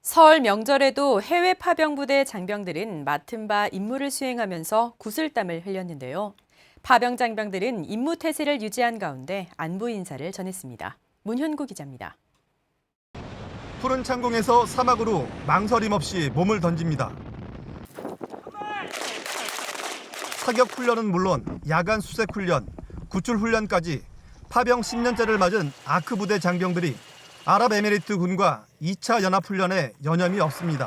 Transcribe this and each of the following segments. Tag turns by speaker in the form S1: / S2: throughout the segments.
S1: 설 명절에도 해외 파병부대 장병들은 맡은 바 임무를 수행하면서 구슬땀을 흘렸는데요. 파병 장병들은 임무 태세를 유지한 가운데 안부 인사를 전했습니다. 문현구 기자입니다.
S2: 푸른 창공에서 사막으로 망설임 없이 몸을 던집니다. 사격 훈련은 물론 야간 수색 훈련, 구출 훈련까지 파병 10년째를 맞은 아크 부대 장병들이 아랍에미리트 군과 2차 연합훈련에 여념이 없습니다.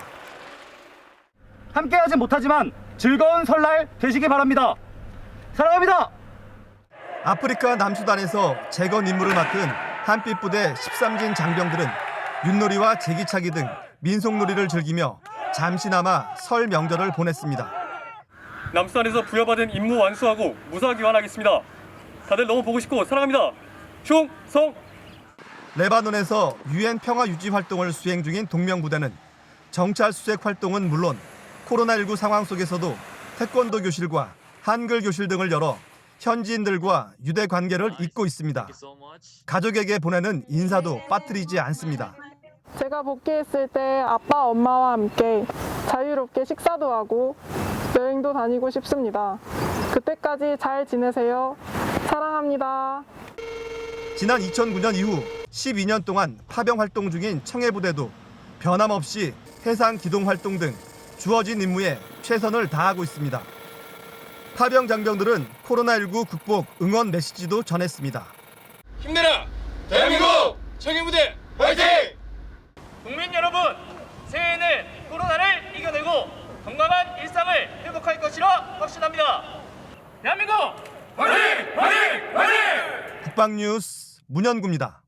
S3: 함께하진 못하지만 즐거운 설날 되시기 바랍니다. 사랑합니다.
S2: 아프리카 남수단에서 재건 임무를 맡은 한빛 부대 13진 장병들은 윷놀이와 제기차기 등 민속놀이를 즐기며 잠시나마 설 명절을 보냈습니다.
S4: 남수단에서 부여받은 임무 완수하고 무사 귀환하겠습니다. 다들 너무 보고 싶고 사랑합니다. 충성!
S2: 레바논에서 유엔 평화 유지 활동을 수행 중인 동명부대는 정찰 수색 활동은 물론 코로나19 상황 속에서도 태권도 교실과 한글 교실 등을 열어 현지인들과 유대 관계를 잇고 있습니다. 가족에게 보내는 인사도 빠뜨리지 않습니다.
S5: 제가 복귀했을 때 아빠, 엄마와 함께 자유롭게 식사도 하고 여행도 다니고 싶습니다. 그때까지 잘 지내세요. 사랑합니다.
S2: 지난 2009년 이후 12년 동안 파병 활동 중인 청해부대도 변함없이 해상 기동 활동 등 주어진 임무에 최선을 다하고 있습니다. 파병 장병들은 코로나19 극복 응원 메시지도 전했습니다.
S6: 힘내라! 대한민국 청해부대 화이팅!
S7: 국민 여러분, 새해에는 코로나를 이겨내고 건강한 일상을 회복할 것이라 확신합니다. 대한민국
S6: 화이팅! 화이팅! 화이팅!
S2: 국방뉴스 문현구입니다.